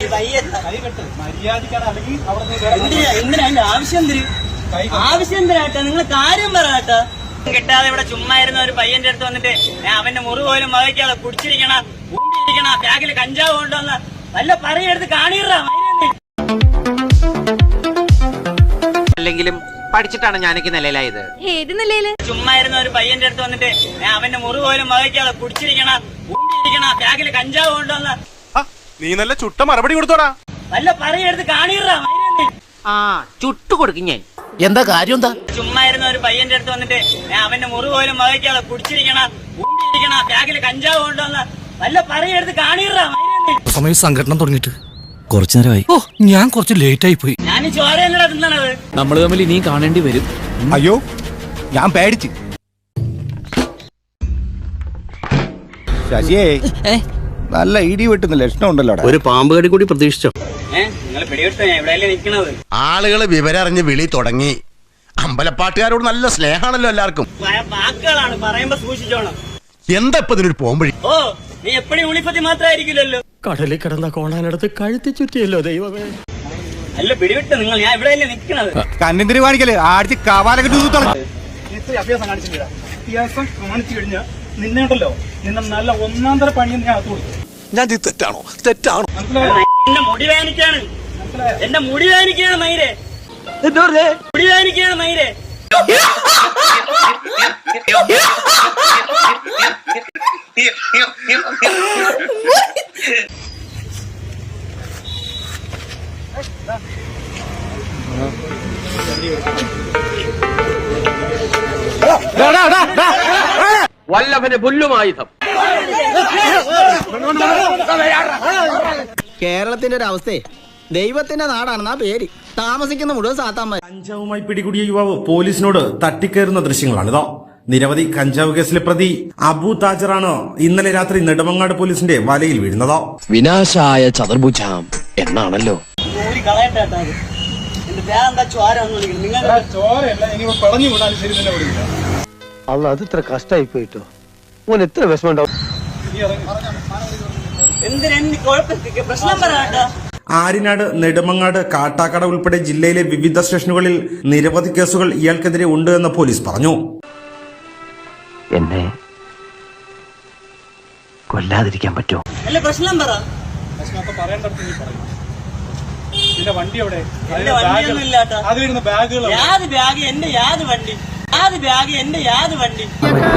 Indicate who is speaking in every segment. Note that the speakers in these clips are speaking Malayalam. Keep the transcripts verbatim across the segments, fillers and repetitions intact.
Speaker 1: ആവശ്യം ആവശ്യം എന്തിനാട്ടാ? നിങ്ങൾ കാര്യം പറയാട്ടാ. കിട്ടാതെ ഇവിടെ ചുമ്മാ ഇരുന്ന ഒരു പയ്യന്റെ അടുത്ത് വന്നിട്ട് അവന്റെ മുറി പോലും വകയ്ക്കാതെ കുടിച്ചിരിക്കണ ഊണ്ടിരിക്കണ ബാഗിൽ കഞ്ചാവ് കൊണ്ടുവന്ന വല്ല പറയെടുത്ത് കാണിടാ.
Speaker 2: അല്ലെങ്കിലും പഠിച്ചിട്ടാണ് ഞാനൊക്കെ നിലയിലായത്.
Speaker 3: ഏത് നിലയില്?
Speaker 1: ചുമ്മാ ഇരുന്ന ഒരു പയ്യന്റെ അടുത്ത് വന്നിട്ട് അവന്റെ മുറി പോലും വകയ്ക്കാതെ കുടിച്ചിരിക്കണ ഊണ്ടിരിക്കണ ബാഗിൽ കഞ്ചാവ് കൊണ്ടുവന്ന
Speaker 4: നീ നല്ല ചുട്ട മറുപടി കൊടുത്തോടാ.
Speaker 1: വല്ല പറയെടുത്ത് കാണിടാ.
Speaker 2: ആ ചുട്ടു കൊടുക്കും ഞാൻ.
Speaker 5: എന്താ കാര്യം? എന്താ?
Speaker 1: ചുമ്മാ ഇരുന്ന ഒരു പയ്യന്റെ അടുത്ത് വന്നിട്ട് അവന്റെ മുറി പോലും വകയ്ക്കാതെ കുടിച്ചിരിക്കണ ഊണ്ടിരിക്കണ ബാഗിൽ കഞ്ചാവ് കൊണ്ടുവന്ന വല്ല പറയെടുത്ത് കാണിടാ.
Speaker 5: സമയം സംഘടന തുടങ്ങിയിട്ട് കുറച്ചു നേരമായി. ഓ, ഞാൻ കുറച്ച് ലേറ്റ് ആയി പോയി.
Speaker 1: ഞാൻ ചോരയല്ലടാ തിന്നണത്.
Speaker 5: നമ്മൾ തമ്മിൽ ഇനിയും കാണേണ്ടി വരും.
Speaker 4: അയ്യോ, ഞാൻ പേടിച്ച്. ശശിയേ, നല്ല ഇടി വെട്ടുന്ന ലക്ഷണം ഉണ്ടല്ലോ.
Speaker 6: ഒരു പാമ്പ് കടി കൂടി പ്രതീക്ഷിച്ചോ?
Speaker 4: ആളുകള് വിവരം അറിഞ്ഞ് വിളി തുടങ്ങി. അമ്പലപ്പാട്ടുകാരോട് നല്ല സ്നേഹാണല്ലോ എല്ലാവർക്കും.
Speaker 1: വാക്കുകളാണ് പറയുമ്പോ സൂക്ഷിച്ചോണം.
Speaker 4: എന്താ ഇപ്പൊ ഇതിനൊരു പോംവഴി?
Speaker 1: ഓ, നീ എപ്പോഴും ഉളിപ്പത്തി മാത്രമായിരിക്കില്ലല്ലോ.
Speaker 6: കടലിൽ കിടന്ന കോണാനടുത്ത് കഴുത്തി ചുറ്റിയല്ലോ ദൈവമേ.
Speaker 1: അല്ല പിടിവിട്ട് നിങ്ങൾ, ഞാൻ ഇവിടെയല്ലേ നിൽക്കണത്.
Speaker 4: കണ്ണിന്തിരി കാണിക്കല് ആടിച്ച് കവാലൊക്കെ
Speaker 7: അഭ്യാസം കാണിച്ചില്ല. അഭ്യാസം കാണിച്ചു കഴിഞ്ഞാൽ നിന്നേണ്ടല്ലോ നിന്നെ നല്ല ഒന്നാം തര പണി ഞാൻ അകത്ത് കൊടുത്തു.
Speaker 4: ഞാൻ തെറ്റാണോ? തെറ്റാണോ?
Speaker 1: എന്റെ മുടി വേനിക്കാണ്, എന്റെ മുടി വേനിക്കാണ് മൈരെ, മുടി വേനിക്കാണ് മൈരെ.
Speaker 2: വല്ലഭന് പുല്ലുമായുധം.
Speaker 8: കേരളത്തിന്റെ ഒരു അവസ്ഥയെ ദൈവത്തിന്റെ നാടാണെന്നാ പേര്. താമസിക്കുന്ന മുഴുവൻ സാത്താന്മാർ.
Speaker 9: കഞ്ചാവുമായി പിടികൂടിയ യുവാവ് പോലീസിനോട് തട്ടിക്കയറുന്ന ദൃശ്യങ്ങളാണിതോ. നിരവധി കഞ്ചാവ് കേസിലെ പ്രതി അബു താജറാണ് ഇന്നലെ രാത്രി നെടുമങ്ങാട് പോലീസിന്റെ വലയിൽ വീഴുന്നതോ.
Speaker 6: വിനാശായ ചതുർഭുജം എന്നാണല്ലോ.
Speaker 7: അല്ല, അത് ഇത്ര കഷ്ടായി പോയിട്ടോ. ഓൻ എത്ര വിഷമം ഉണ്ടാവും.
Speaker 9: ആര്യനാട്, നെടുമങ്ങാട്, കാട്ടാക്കട ഉൾപ്പെടെ ജില്ലയിലെ വിവിധ സ്റ്റേഷനുകളിൽ നിരവധി കേസുകൾ ഇയാൾക്കെതിരെ ഉണ്ട് എന്ന് പോലീസ് പറഞ്ഞു.
Speaker 6: എന്നെ കൊല്ലാതിരിക്കാൻ പറ്റുമോ?
Speaker 1: പ്രശ്നം പറ.
Speaker 7: വണ്ടി എവിടെ?
Speaker 1: യാത് ബാഗ് എന്റെ യാത് വണ്ടി, യാത് ബാഗ് എന്റെ യാത് വണ്ടി.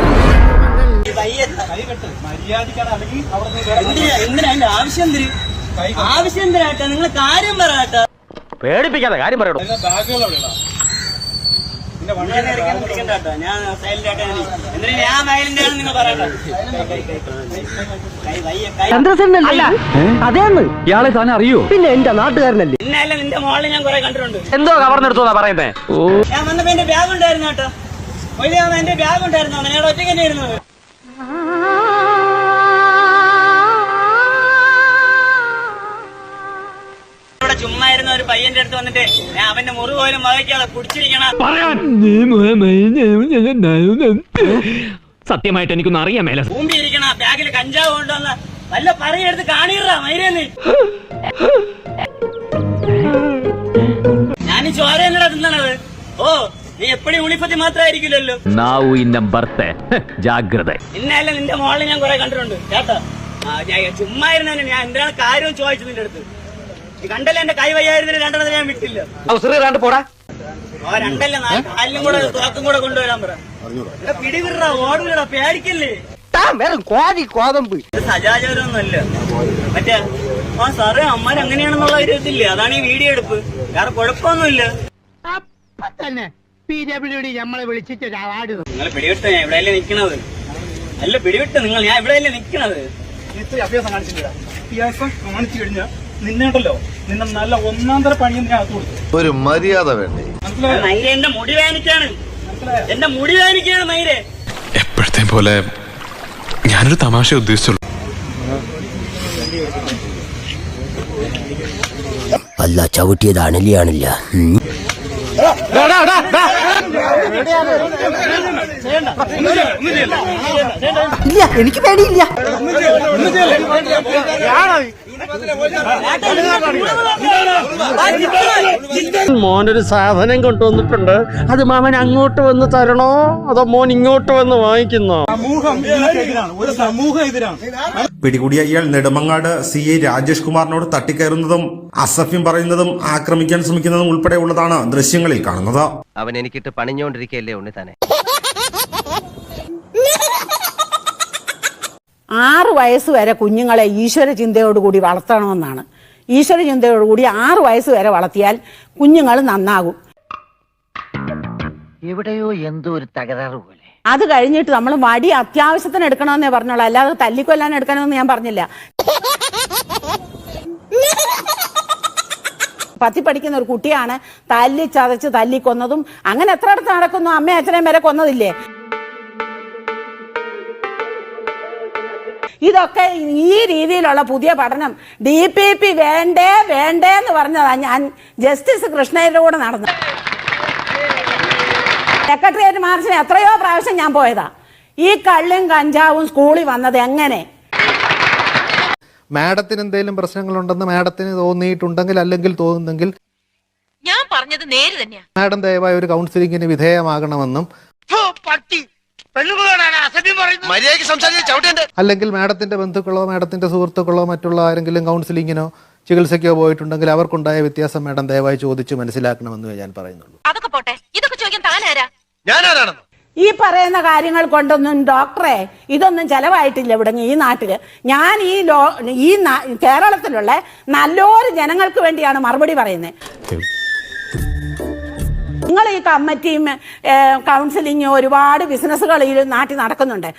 Speaker 1: എന്തിനാ എന്റെ ആവശ്യം എന്തിന്? ആവശ്യം എന്തിനാട്ടാ? നിങ്ങൾ കാര്യം പറയാട്ടാ.
Speaker 2: പേടിപ്പിക്കാതെ കാര്യം പറയണോ?
Speaker 1: ഞാൻ സൈലന്റ് ആയിട്ടാ. എന്തിനാ ഞാൻ സൈലന്റ് ആണെന്ന് നിങ്ങൾ പറയണ്ട.
Speaker 8: അതേന്ന്
Speaker 6: ഇയാളെ താൻ അറിയോ?
Speaker 8: പിന്നെ എന്റെ നാട്ടുകാരനല്ലേ.
Speaker 1: പിന്നല്ല, നിന്റെ മോളിൽ ഞാൻ കുറെ കണ്ടിട്ടുണ്ട്.
Speaker 2: എന്തോ കവർന്നെടുത്തോന്നാ പറയുന്നേ?
Speaker 1: ഞാൻ വന്നപ്പോ എന്റെ ബാഗ് ഉണ്ടായിരുന്നു കേട്ടോ. എന്റെ ബാഗ് ഉണ്ടായിരുന്നു. ഞാൻ ഒറ്റയ്ക്ക് തന്നെ ഇരുന്നത്. ഇവിടെ ചുമ്മാ ഇരുന്ന ഒരു പയ്യന്റെ അടുത്ത് വന്നിട്ട് അവന്റെ മുറി പോലും വകയ്ക്കാതെ കുടിച്ചിരിക്കണ.
Speaker 6: സത്യമായിട്ട് എനിക്കൊന്നും അറിയാൻ മേല.
Speaker 1: ഊമ്പിയിരിക്കണ ബാഗിൽ കഞ്ചാവ് കൊണ്ടുവന്ന വല്ല പറയെടുത്ത് കാണിടാ മൈരേന്ന്. ഞാൻ ചോരയല്ലടാ തിന്നണത്. ഓ, നീ എപ്പോഴും ഉളിപ്പത്തി മാത്രമായിരിക്കില്ലല്ലോ.
Speaker 6: ജാഗ്രത.
Speaker 1: ഇന്നല്ല, നിന്റെ മോളിൽ ഞാൻ കുറെ കണ്ടിട്ടുണ്ട് കേട്ടോ. ചുമ്മാ ഇരുന്ന ഞാൻ എന്തിനാണ് കാര്യം ചോദിച്ചു നിന്റെ അടുത്ത്. കണ്ടല്ലേ എന്റെ കൈ വയ്യായിരുന്നില്ല, രണ്ടെണ്ണത്തിന് ഞാൻ വിട്ടില്ല.
Speaker 2: പോടാ.
Speaker 1: ഓ, രണ്ടല്ല, കാലിലും കൂടെ തോക്കും കൂടെ കൊണ്ടുവരാൻ പറ. പിടിവിടാ, ഓടില്ലടാ, പേടിക്കല്ലേ. സജാചാരമൊന്നുമല്ല മറ്റേ. ആ സാറേ, അമ്മാര് അങ്ങനെയാണെന്നുള്ള ഒരു ഇതില്ലേ, അതാണ് ഈ വീഡിയോ എടുപ്പ്. വേറെ കുഴപ്പമൊന്നുമില്ല. നിങ്ങൾ പിടിവിട്ട് ഞാൻ ഇവിടെയല്ലേ നിക്കണത്. അല്ല പിടിവിട്ട് നിങ്ങൾ, ഞാൻ ഇവിടെയല്ലേ നിക്കണത്.
Speaker 7: അഭ്യാസം കാണിച്ചില്ല. അഭ്യാസം കാണിച്ചു കഴിഞ്ഞാൽ നിന്നേണ്ടല്ലോ നിന്നെ നല്ല ഒന്നാം തര പണി ഞാൻ അകത്ത് കൊടുത്തു.
Speaker 4: ഒരു മര്യാദ വേണ്ടേ?
Speaker 1: മൈരെ, എന്റെ മുടി വേനിക്കാണ്, എന്റെ മുടി വേനിക്കാണ് മൈരെ.
Speaker 4: എപ്പോഴത്തെ പോലെ ഞാനൊരു തമാശ ഉദ്ദേശിച്ചുള്ളൂ.
Speaker 8: അല്ല, ചവിട്ടിയത് അണലിയാണില്ല.
Speaker 1: ഇല്ല, എനിക്ക് പേടിയില്ല.
Speaker 2: മോനൊരു സാധനം കൊണ്ടുവന്നിട്ടുണ്ട്. അത് മാമൻ അങ്ങോട്ട് വന്ന് തരണോ അതോ മോൻ ഇങ്ങോട്ട് വന്ന് വാങ്ങിക്കുന്നോ?
Speaker 7: സമൂഹം ഇതിനെതിരാണ്, ഒരു സമൂഹം എതിരാണ്.
Speaker 9: പിടികൂടിയ ഇയാൾ നെടുമങ്ങാട് സി ഐ രാജേഷ് കുമാറിനോട് തട്ടിക്കയറുന്നതും അസഭ്യം പറയുന്നതും ആക്രമിക്കാൻ ശ്രമിക്കുന്നതും ഉൾപ്പെടെയുള്ളതാണ് ദൃശ്യങ്ങളിൽ കാണുന്നത്.
Speaker 2: അവൻ എനിക്കിട്ട് പണിഞ്ഞോണ്ടിരിക്കല്ലേ ഉണ്ണി തന്നെ.
Speaker 3: ആറ് വയസ്സ് വരെ കുഞ്ഞുങ്ങളെ ഈശ്വര ചിന്തയോടുകൂടി വളർത്തണമെന്നാണ്. ഈശ്വര ചിന്തയോടുകൂടി ആറ് വയസ്സ് വരെ വളർത്തിയാൽ കുഞ്ഞുങ്ങൾ നന്നാകും.
Speaker 2: എവിടെയോ എന്തോ ഒരു തകരാറ് പോലെ.
Speaker 3: അത് കഴിഞ്ഞിട്ട് നമ്മൾ വടി അത്യാവശ്യത്തിന് എടുക്കണമെന്നേ പറഞ്ഞോളൂ, അല്ലാതെ തല്ലിക്കൊല്ലാൻ എടുക്കണമെന്ന് ഞാൻ പറഞ്ഞില്ല. പത്തി പഠിക്കുന്ന ഒരു കുട്ടിയാണ് തല്ലി ചതച്ച് തല്ലിക്കൊന്നതും. അങ്ങനെ എത്ര അടുത്ത് നടക്കുന്നു? അമ്മ അച്ഛനെയും വരെ കൊന്നതില്ലേ? ഇതൊക്കെ ഈ രീതിയിലുള്ള പുതിയ പഠനം ഡി പി പി വേണ്ടേ വേണ്ടേ എന്ന് പറഞ്ഞതാ ഞാൻ ജസ്റ്റിസ് കൃഷ്ണയുടെ കൂടെ നടന്നത്. സെക്രട്ടേറിയറ്റ് മാർച്ചിന് എത്രയോ പ്രാവശ്യം ഞാൻ പോയതാ. ഈ കള്ളും കഞ്ചാവും സ്കൂളിൽ വന്നത് എങ്ങനെ?
Speaker 10: മാഡത്തിന് എന്തെങ്കിലും പ്രശ്നങ്ങളുണ്ടെന്ന് മാഡത്തിന് തോന്നിയിട്ടുണ്ടെങ്കിൽ അല്ലെങ്കിൽ തോന്നുന്നെങ്കിൽ
Speaker 3: ഞാൻ പറഞ്ഞത് നേര് തന്നെയാ.
Speaker 10: മാഡം ദയവായി ഒരു കൗൺസിലിംഗിന് വിധേയമാകണമെന്നും അല്ലെങ്കിൽ മാഡത്തിന്റെ ബന്ധുക്കളോ മാഡത്തിന്റെ സുഹൃത്തുക്കളോ മറ്റുള്ള ആരെങ്കിലും കൗൺസിലിങ്ങിനോ ചികിത്സയ്ക്കോ പോയിട്ടുണ്ടെങ്കിൽ അവർക്കുണ്ടായ വ്യത്യാസം മാഡം ദയവായി ചോദിച്ച് മനസ്സിലാക്കണമെന്ന് ഞാൻ പറയുന്നുള്ളൂ.
Speaker 3: അതൊക്കെ പോട്ടെ, ഇതൊക്കെ ചോദിക്കാൻ താനാരാ? ഈ പറയുന്ന കാര്യങ്ങൾ കൊണ്ടൊന്നും ഡോക്ടറെ ഇതൊന്നും ചെലവായിട്ടില്ല ഇവിടെ ഈ നാട്ടില്. ഞാൻ ഈ ലോ ഈ കേരളത്തിലുള്ള നല്ലൊരു ജനങ്ങൾക്ക് വേണ്ടിയാണ് മറുപടി പറയുന്നത്. നിങ്ങൾ ഈ കമ്മിറ്റിയും കൗൺസിലിങ്ങും ഒരുപാട് ബിസിനസ്സുകൾ ഈ നാട്ടിൽ നടക്കുന്നുണ്ട്.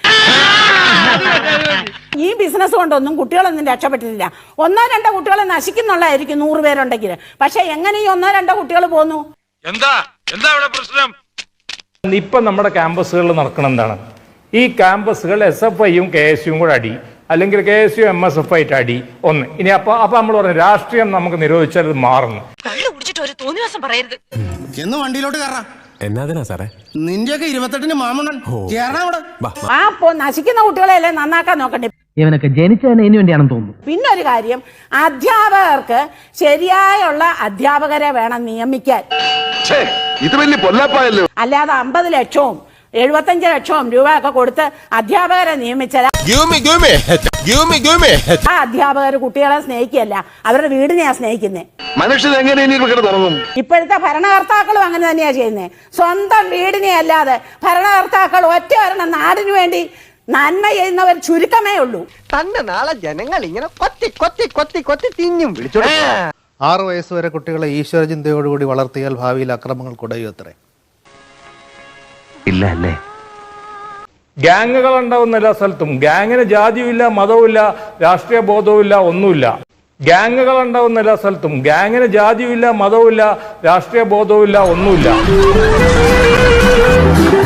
Speaker 3: ഈ ബിസിനസ് കൊണ്ടൊന്നും കുട്ടികളൊന്നും രക്ഷപ്പെട്ടിട്ടില്ല. ഒന്നോ രണ്ടോ കുട്ടികളെ നശിക്കുന്നുള്ളതായിരിക്കും നൂറ് പേരുണ്ടെങ്കിൽ. പക്ഷെ എങ്ങനെ ഈ ഒന്നോ രണ്ടോ കുട്ടികൾ പോന്നു?
Speaker 6: എന്താ എന്താ ഇവിടെ പ്രശ്നം? ഇപ്പൊ നമ്മുടെ ക്യാമ്പസുകളിൽ നടക്കണം എന്താണ്? ഈ ക്യാമ്പസുകൾ എസ് എഫ് ഐയും കെ എസ് യുവും കൂടെ അടി, അല്ലെങ്കിൽ K S U M S F ആയിട്ട് അടി ഒന്ന്. ഇനി അപ്പൊ അപ്പൊ നമ്മൾ പറഞ്ഞു രാഷ്ട്രീയം നമുക്ക് നിരോധിച്ചാൽ അത് മാറുന്നു.
Speaker 3: ഒരു തോന്നിവാസം പറയരുത്.
Speaker 8: എന്ന് വണ്ടിയിലോട്ട് കയറാം.
Speaker 5: എന്നാ സാറേ
Speaker 8: നിന്റെയൊക്കെ ഇരുപത്തെട്ടിന് മാമണ്ണൻ
Speaker 3: ആ നശിക്കുന്ന കുട്ടികളെയല്ലേ നന്നാക്കാൻ നോക്കണ്ടേ?
Speaker 2: ഇവനൊക്കെ ജനിച്ചതിന് ഇതിനു വേണ്ടിയാണെന്ന് തോന്നുന്നു.
Speaker 3: പിന്നെ ഒരു കാര്യം, അധ്യാപകർക്ക് ശരിയായുള്ള അധ്യാപകരെ വേണം നിയമിക്കാൻ.
Speaker 4: ഇത് വലിയ പൊല്ലാപ്പായല്ലോ.
Speaker 3: അല്ലാതെ അമ്പത് ലക്ഷവും എഴുപത്തഞ്ച് ലക്ഷവും രൂപ ഒക്കെ കൊടുത്ത് അധ്യാപകരെ നിയമിച്ചാൽ ആ അധ്യാപകർ കുട്ടികളെ സ്നേഹിക്കുകയല്ല, അവരുടെ വീടിനെയാ സ്നേഹിക്കുന്നേ.
Speaker 4: മനുഷ്യൻ എങ്ങനെ തുടങ്ങും?
Speaker 3: ഇപ്പോഴത്തെ ഭരണകർത്താക്കളും അങ്ങനെ തന്നെയാ ചെയ്യുന്നത്. സ്വന്തം വീടിനെ അല്ലാതെ ഭരണകർത്താക്കൾ ഒറ്റ ഒരെണ്ണം നാടിനു വേണ്ടി നന്മ ചെയ്യുന്നവർ ചുരുക്കമേ ഉള്ളൂ.
Speaker 2: തന്നെ നാളെ ജനങ്ങൾ ഇങ്ങനെ കൊത്തി കൊത്തി കൊത്തി കൊത്തി തിന്നും വിളിച്ചോ.
Speaker 10: ആറു വയസ്സ് വരെ കുട്ടികളെ ഈശ്വര ചിന്തയോടുകൂടി വളർത്തിയാൽ ഭാവിയിൽ അക്രമങ്ങൾ കുടയും അത്രേ.
Speaker 2: ഇല്ല അല്ലേ?
Speaker 6: ഗ്യാങ്ങുകൾ ഉണ്ടാവുന്ന എല്ലാ സ്ഥലത്തും ഗ്യാങ്ങിന് ജാതിയുമില്ല, മതവുമില്ല, രാഷ്ട്രീയ ബോധവുമില്ല, ഒന്നുമില്ല. ഗ്യാങ്ങുകൾ ഉണ്ടാവുന്ന എല്ലാ സ്ഥലത്തും ഗ്യാങ്ങിന് ജാതിയുമില്ല, മതവുമില്ല, രാഷ്ട്രീയ ബോധവുമില്ല, ഒന്നുമില്ല.